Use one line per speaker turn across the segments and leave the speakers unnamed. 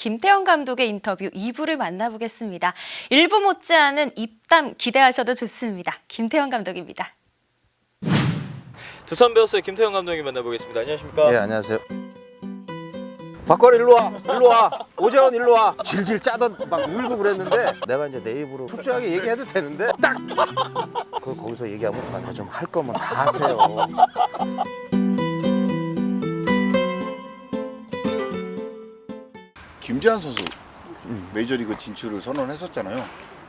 김태형 감독의 인터뷰 2부를 만나보겠습니다. 1부 못지않은 입담 기대하셔도 좋습니다. 김태형 감독입니다.
두산 베어스의 김태형 감독님 만나보겠습니다. 안녕하십니까?
예, 안녕하세요. 박걸 일로 와, 일로 와. 오재원 일로 와. 질질 짜던 막 울고 그랬는데 내가 이제 내 입으로 솔직하게 얘기해도 되는데 딱. 거기서 얘기하면 어떡하냐. 좀 할 거면 다 하세요.
김재환 선수 메이저리그 진출을 선언했었잖아요.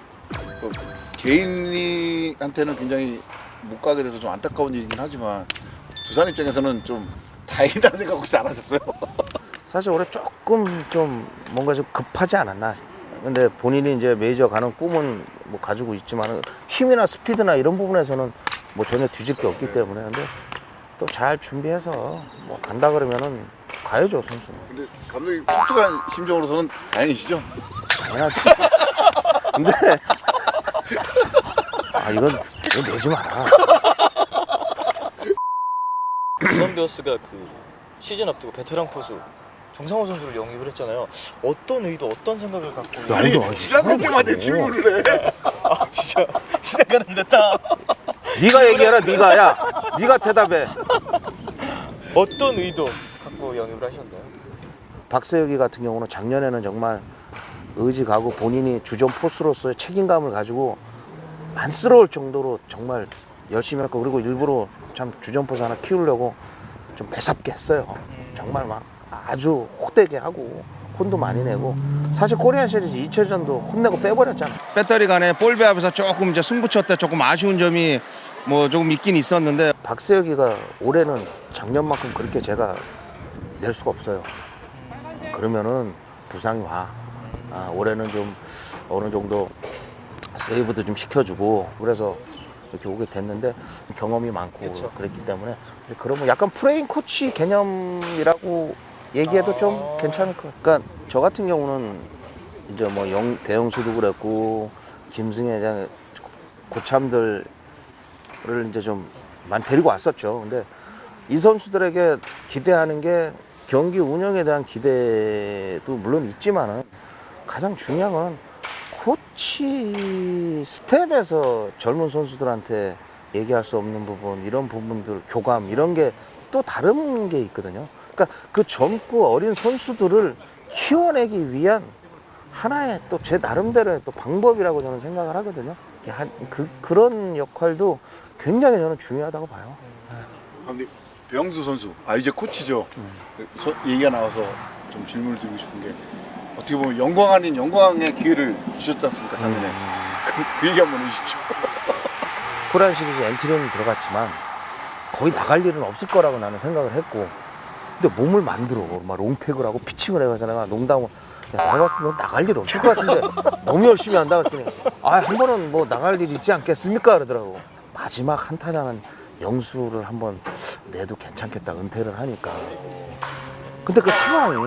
개인한테는 굉장히 못 가게 돼서 좀 안타까운 일이긴 하지만 두산 입장에서는 좀 다행이다는 생각 혹시 안 하셨어요?
사실 올해 조금 좀 뭔가 좀 급하지 않았나. 근데 본인이 이제 메이저 가는 꿈은 뭐 가지고 있지만 힘이나 스피드나 이런 부분에서는 뭐 전혀 뒤질 게 없기 때문에 근데 또 잘 준비해서 뭐 간다 그러면은 가야죠 선수는.
근데 감독님 솔직한 심정으로서는 다행이시죠?
당연하지. 근데 이건 내지 마라.
두산 베어스가 그 시즌 앞두고 베테랑 포수 정상호 선수를 영입을 했잖아요. 어떤 의도, 어떤 생각을 갖고?
아니 지나갈 때마다 질문을 해.
아 진짜 지나가는 듯다.
네가 얘기해라. 네가 대답해.
어떤 의도 갖고 영입을 하셨나요?
박세혁이 같은 경우는 작년에는 정말 의지 가고 본인이 주전 포수로서의 책임감을 가지고 안쓰러울 정도로 정말 열심히 했고 그리고 일부러 참 주전 포수 하나 키우려고 좀 매섭게 했어요. 정말 막 아주 호되게 하고 혼도 많이 내고 사실 코리안 시리즈 2차전도 혼내고 빼버렸잖아. 배터리 간에 볼 배합에서 조금 이제 승부처 때 조금 아쉬운 점이 뭐 조금 있긴 있었는데 박세혁이가 올해는 작년만큼 그렇게 제가 낼 수가 없어요. 그러면은 부상이 와. 올해는 좀 어느 정도 세이브도 좀 시켜주고 그래서 이렇게 오게 됐는데 경험이 많고
그쵸.
그랬기 때문에 그러면 약간 프레임 코치 개념이라고 얘기해도 좀 괜찮을 것 같아요. 그러니까 저 같은 경우는 이제 뭐 배영수도 그랬고 김승혜장 고참들을 이제 좀 많이 데리고 왔었죠. 근데 이 선수들에게 기대하는 게 경기 운영에 대한 기대도 물론 있지만은 가장 중요한 건 코치 스텝에서 젊은 선수들한테 얘기할 수 없는 부분 이런 부분들 교감 이런 게 또 다른 게 있거든요. 그러니까 그 젊고 어린 선수들을 키워내기 위한 하나의 또 제 나름대로의 또 방법이라고 저는 생각을 하거든요. 그런 역할도 굉장히 저는 중요하다고 봐요.
감독님 배영수 선수 이제 코치죠. 얘기가 나와서 좀 질문을 드리고 싶은 게 어떻게 보면 영광 아닌 영광의 기회를 주셨지 않습니까 작년에. 그 얘기 한번 해주십시오.
코리안 시리즈 엔트리는 들어갔지만 거의 나갈 일은 없을 거라고 나는 생각을 했고 근데 몸을 만들어 막 롱팩을 하고 피칭을 해서 내가 농담을 내가 봤을 때 너 나갈 일 없을 것 같은데 너무 열심히 한다 그랬더니 한 번은 뭐 나갈 일 있지 않겠습니까 그러더라고. 마지막 한 타자는 영수를 한번 내도 괜찮겠다 은퇴를 하니까 근데 그 상황이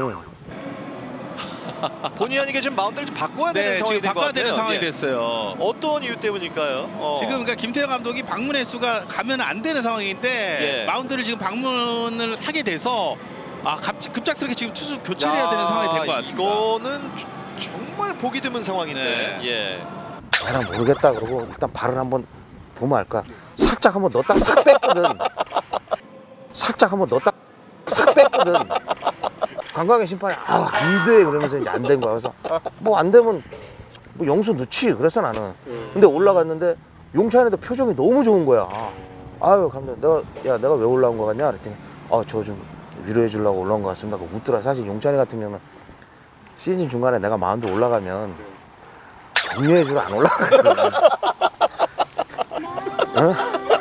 본의 아니게 지금 마운드를 좀 바꿔야 되는 상황이
지금 바꿔야 되는 상황이
예.
됐어요.
어떤 이유 때문일까요?
지금 그러니까 김태형 감독이 방문 횟수가 가면 안 되는 상황인데
예.
마운드를 지금 방문을 하게 돼서 급작스럽게 지금 투수 교체를 해야 되는 상황이 된 것 같습니다.
이거는 정말 보기 드문 상황인데.
네.
예.
나는 모르겠다 그러고 일단 발을 한번 보면 알까 살짝 한번 넣었다가 싹 뺐거든. 살짝 한번 넣었다가 싹 뺐거든. 관광의 심판이 안 돼 그러면서 이제 안 된 거야. 그래서 뭐 안 되면 뭐 영수 넣지 그래서 나는. 근데 올라갔는데 용찬이도 표정이 너무 좋은 거야. 아유 감독 내가 왜 올라온 거 같냐 그랬더니 저 좀 위로해 주려고 올라온 것 같습니다. 그 웃더라. 사실 용찬이 같은 경우는 시즌 중간에 내가 마운드 올라가면 격려해 주러 안 올라가거든. 어?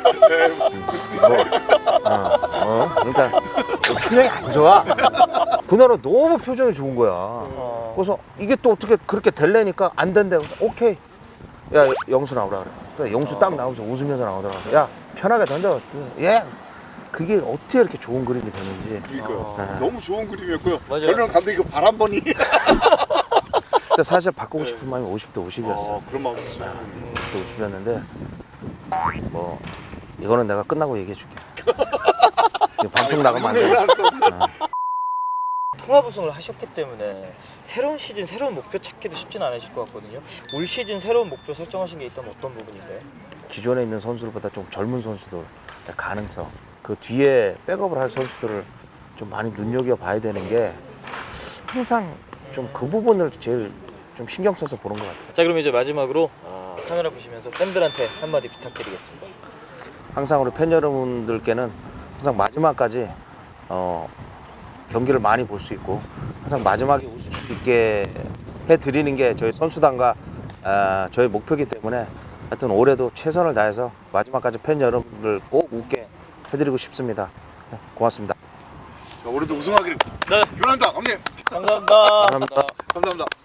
그러니까 표정이 안 좋아. 그날은 너무 표정이 좋은 거야. 그래서 이게 또 어떻게 그렇게 될래니까 안 된대. 그래서 오케이. 야 영수 나오라 그래. 그래서 영수 딱 나오면서 웃으면서 나오더라고. 야 편하게 던져. 예. 그게 어떻게 이렇게 좋은 그림이 되는지.
그러니까요. 너무 좋은 그림이었고요.
맞아요.
저는 감독이 그 발 한 번이.
근데 사실 바꾸고 싶은 마음이 50대 50이었어요.
그런 마음이 있어요.
50대 50이었는데 뭐 이거는 내가 끝나고 얘기해 줄게. 방송 나가면 안 돼.
통합 우승을 하셨기 때문에 새로운 시즌 새로운 목표 찾기도 쉽진 않으실 것 같거든요. 올 시즌 새로운 목표 설정하신 게 있다면 어떤 부분인가요?
기존에 있는 선수들보다 좀 젊은 선수들 가능성, 그 뒤에 백업을 할 선수들을 좀 많이 눈여겨봐야 되는 게 항상 좀 그 부분을 제일 좀 신경 써서 보는 것 같아요.
자, 그럼 이제 마지막으로 카메라 보시면서 팬들한테 한마디 부탁드리겠습니다.
항상 우리 팬 여러분들께는 항상 마지막까지 경기를 많이 볼 수 있고 항상 마지막에 웃을 수 있게 해드리는 게 저희 선수단과 저희 목표이기 때문에 하여튼 올해도 최선을 다해서 마지막까지 팬 여러분들 꼭 웃게 해드리고 싶습니다. 네, 고맙습니다.
올해도 우승하기를
네.
기원한다, 감독님.
감사합니다.
감사합니다.
감사합니다.